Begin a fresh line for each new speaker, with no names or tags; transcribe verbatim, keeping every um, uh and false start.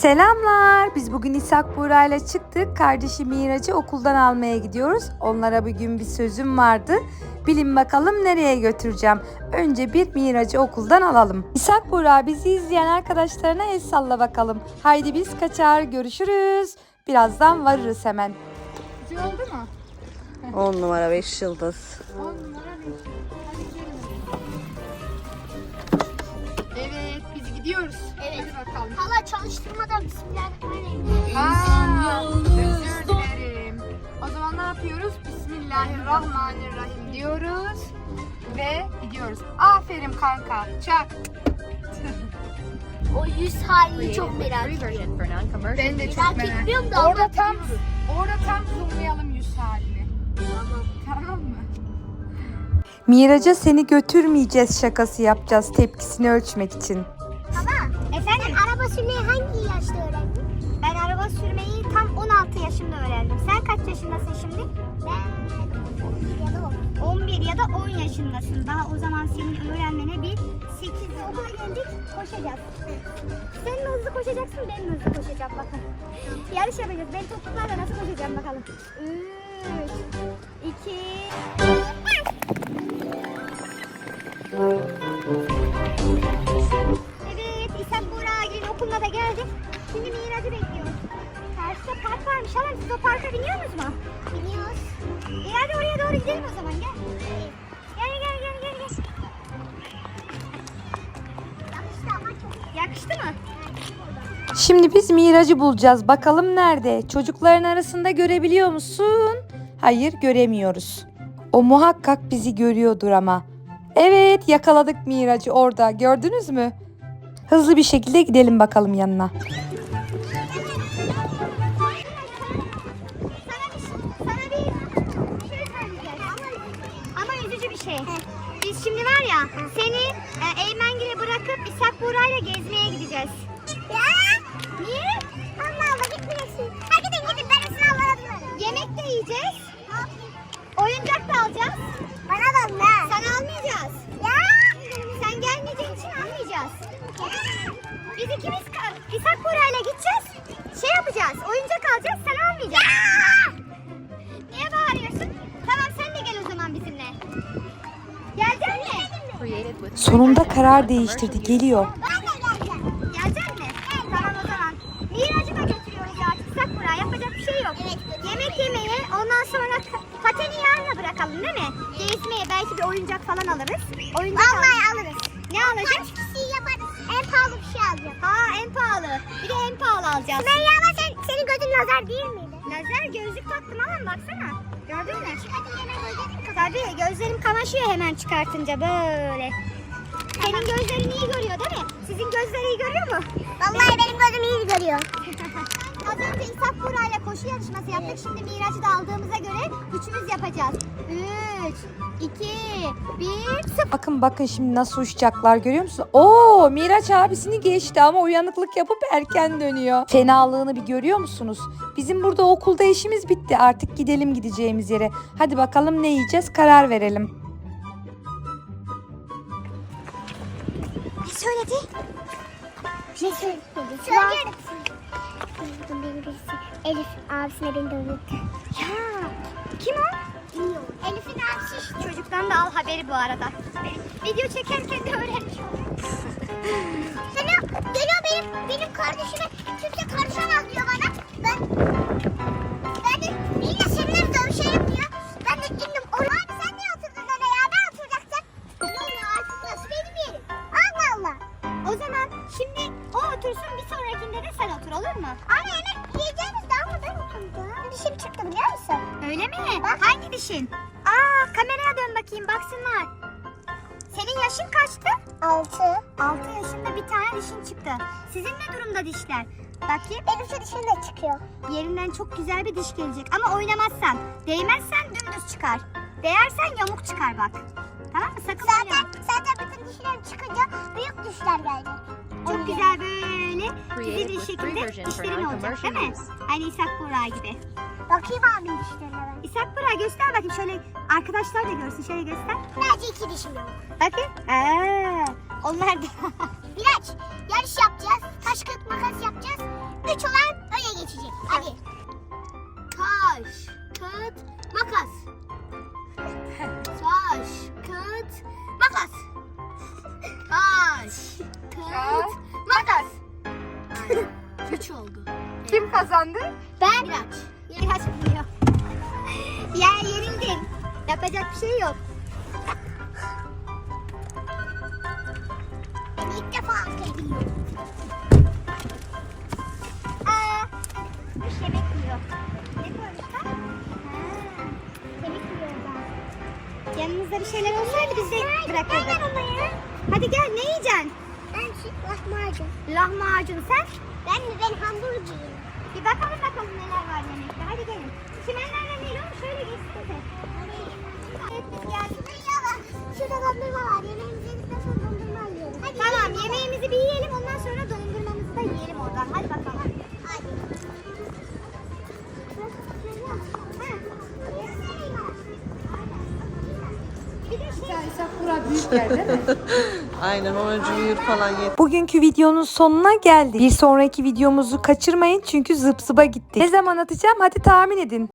Selamlar. Biz bugün İshak Buğra ile çıktık. Kardeşi Miraç'ı okuldan almaya gidiyoruz. Onlara bugün bir sözüm vardı. Bilin bakalım nereye götüreceğim. Önce bir Miraç'ı okuldan alalım. İshak Buğra, bizi izleyen arkadaşlarına el salla bakalım. Haydi biz kaçar, görüşürüz. Birazdan varırız hemen.
Güzel oldu mu?
on numara beş yıldız.
on numara beş. Hadi gidelim. Evet, biz gidiyoruz.
Evet.
Hadi bakalım.
Hala çalıştırmadan bismillahirrahmanirrahim.
Aa, özür dilerim. O zaman ne yapıyoruz? Bismillahirrahmanirrahim diyoruz. Ve gidiyoruz. Aferin kanka. Çak.
O yüz halini çok merak ediyorum.
Ben de çok
Merak
merak
etmiyorum da
Orada tam,
anlatıyoruz.
orada tam zoomlayalım yüz halini.
Tamam.
Tamam mı?
Miraç'a seni götürmeyeceğiz şakası yapacağız tepkisini ölçmek için.
Baba, efendim? Sen araba sürmeyi hangi yaşta öğrendin? Ben araba sürmeyi tam on altı yaşımda öğrendim. Sen kaç yaşındasın şimdi? Ben on bir ya da on. on bir ya da on yaşındasın. Daha o zaman senin öğrenmene bir sekiz yıl. Okula geldik, koşacağız. Sen mi hızlı koşacaksın, ben mi hızlı koşacağım bakın. Yarış yapacağız. Ben topuklarla nasıl koşacağım bakalım. üç, iki, Evet, İshak Buğra'nın okuluna da geldik. Şimdi Miraç'ı bekliyoruz. Karşıda park varmış. Halam, siz o parka biniyor musunuz mu? Biniyoruz. E hadi oraya doğru gidelim o zaman, gel. Gel gel gel gel gel. Yakıştı ama çok. Yakıştı mı?
Şimdi biz Miraç'ı bulacağız. Bakalım nerede? Çocukların arasında görebiliyor musun? Hayır, göremiyoruz. O muhakkak bizi görüyordur ama. Evet, yakaladık Miraç'ı orada. Gördünüz mü? Hızlı bir şekilde gidelim bakalım yanına.
Sana bir, sana bir şey söyleyeceğiz. Ama, ama üzücü bir şey. Biz şimdi var ya, seni e, Eymengil'e bırakıp İshak Buğra'yla gezmeye gideceğiz. Ya? Niye? Allah Allah, gitmeyesin. Ha gidin gidin, ben sizin Allah'a Yemek de yiyeceğiz. Oyuncak da alacağız. Bana da ne? Sana almayacağız. Ya? Sen gelmeyeceğin için almayacağız. Biz ikimiz İshak Buğra'yla gideceğiz. Şey yapacağız, oyuncak alacağız, sen almayacaksın. Niye bağırıyorsun? Tamam, sen de gel o zaman bizimle. Gelecek mi?
Sonunda karar değiştirdi. Geliyor.
Ben de geleceğim. Gelecek mi? Evet. Tamam o zaman. Miraç'ı da götürüyoruz artık. İshak Buğra, yapacak bir şey yok. Evet. Yemek yemeye, ondan sonra pateni yarına bırakalım değil mi? Gezmeye, belki bir oyuncak falan alırız. Oyuncak Vallahi alırız. Ne alacağız? Kaç kişi yaparız? En pahalı bir şey alacağım. Ha, en pahalı. Bir de en pahalı alacağız. Sümeyye ama sen, senin gözün lazer değil miydi? Lazer, gözlük taktım ama baksana. Gördün mü? Hadi hemen gözlerim kamaşıyor. Tabii, gözlerim kamaşıyor hemen çıkartınca böyle. Senin gözlerin iyi görüyor değil mi? Sizin gözler iyi görüyor mu? Vallahi benim gözüm iyi görüyor. Az önce İshak Buğra ile koşu yarışması yaptık. Şimdi Miraç'ı da aldığımıza göre üçümüz yapacağız. üç, iki, bir, sıfır.
Bakın bakın şimdi nasıl uçacaklar, görüyor musun? Oo, Miraç abisini geçti ama uyanıklık yapıp erken dönüyor. Fenalığını bir görüyor musunuz? Bizim burada okulda işimiz bitti. Artık gidelim gideceğimiz yere. Hadi bakalım ne yiyeceğiz, karar verelim.
Ne söyledi? Ne söyledi? Söyle. Elif abisine beni dövdü. Ya kim o? Bilmiyorum. Elif'in abisi şu çocuktan da al haberi bu arada. Video çekerken de öğrenmiş oldum. Geliyor, geliyor benim, benim kardeşime kimse karışamaz diyor bana. Ben, ben de yine seninle dövüşelim diyor. Ben de indim. Oraya abi sen niye oturdun öyle ya? Ben oturacaktım. Yok artık nasıl benim yerim. Allah Allah. O zaman şimdi o otursun, bir sonrakinde de sen otur, olur mu? Anne yemek yiyeceğimiz daha mı ben oturdum? Dişim çıktı biliyor musun? Öyle mi? Bak. Hangi dişin? Aa, kameraya dön bakayım, baksınlar. Senin yaşın kaçtı? Altı. Altı yaşında bir tane dişin çıktı. Sizin ne durumda dişler? Bakayım. Benim şu dişim de çıkıyor. Yerinden çok güzel bir diş gelecek ama oynamazsan, değmezsen dümdüz çıkar. Değersen yamuk çıkar bak. Tamam mı? Sakın zaten, oynama. Zaten bütün dişlerim çıkınca büyük dişler gelecek. Çok güzel böyle dizi bir şekilde dişlerin olacak değil mi? Aynı İshak Buğra gibi. Bakayım abim dişlerine ben. İshak Buğra göster bakayım, şöyle arkadaşlar da görsün, şöyle göster. Sadece iki dişim yok. Bakın. Aa, onlar da. Miraç, yarış yapacağız. Taş kağıt makas yapacağız. üç olan öne geçecek. Hadi. Taş, kağıt, makas. Taş, kağıt, makas. Taş, kağıt, makas. Üç oldu.
Kim kazandı?
Ben. Miraç. Miraç biliyor. Ya yenildin. Yapacak bir şey yok. Ben ilk defa atlayabiliyorum. Aa, bir şey bekliyor. Ne koymuşlar? Ha, kemik yiyor orada. Yanımızda bir şeyler olsaydı biz de bırakırdık. Hadi gel, ne yiyeceksin? Ben lahmacun. Lahmacun sen? Ben mi? Ben hamburger. Bir bakalım bakalım neler var yemekte. Hadi gelin. Çimenlerden değil oğlum, şöyle geçsene. Evet biz geldik. Şurada dondurma var. Yemeğimizi yedikten sonra dondurma alıyoruz. Hadi tamam, yemeğimizi bir yiyelim, ondan sonra dondurmamızı da yiyelim oradan. Hadi bakalım. Hadi. Bir de şey...
İshak Buğra büyük yer değil mi?
Aynen onuncu büyür falan yedi.
Bugünkü videonun sonuna geldik. Bir sonraki videomuzu kaçırmayın çünkü zıp zıba gitti. Ne zaman atacağım hadi tahmin edin.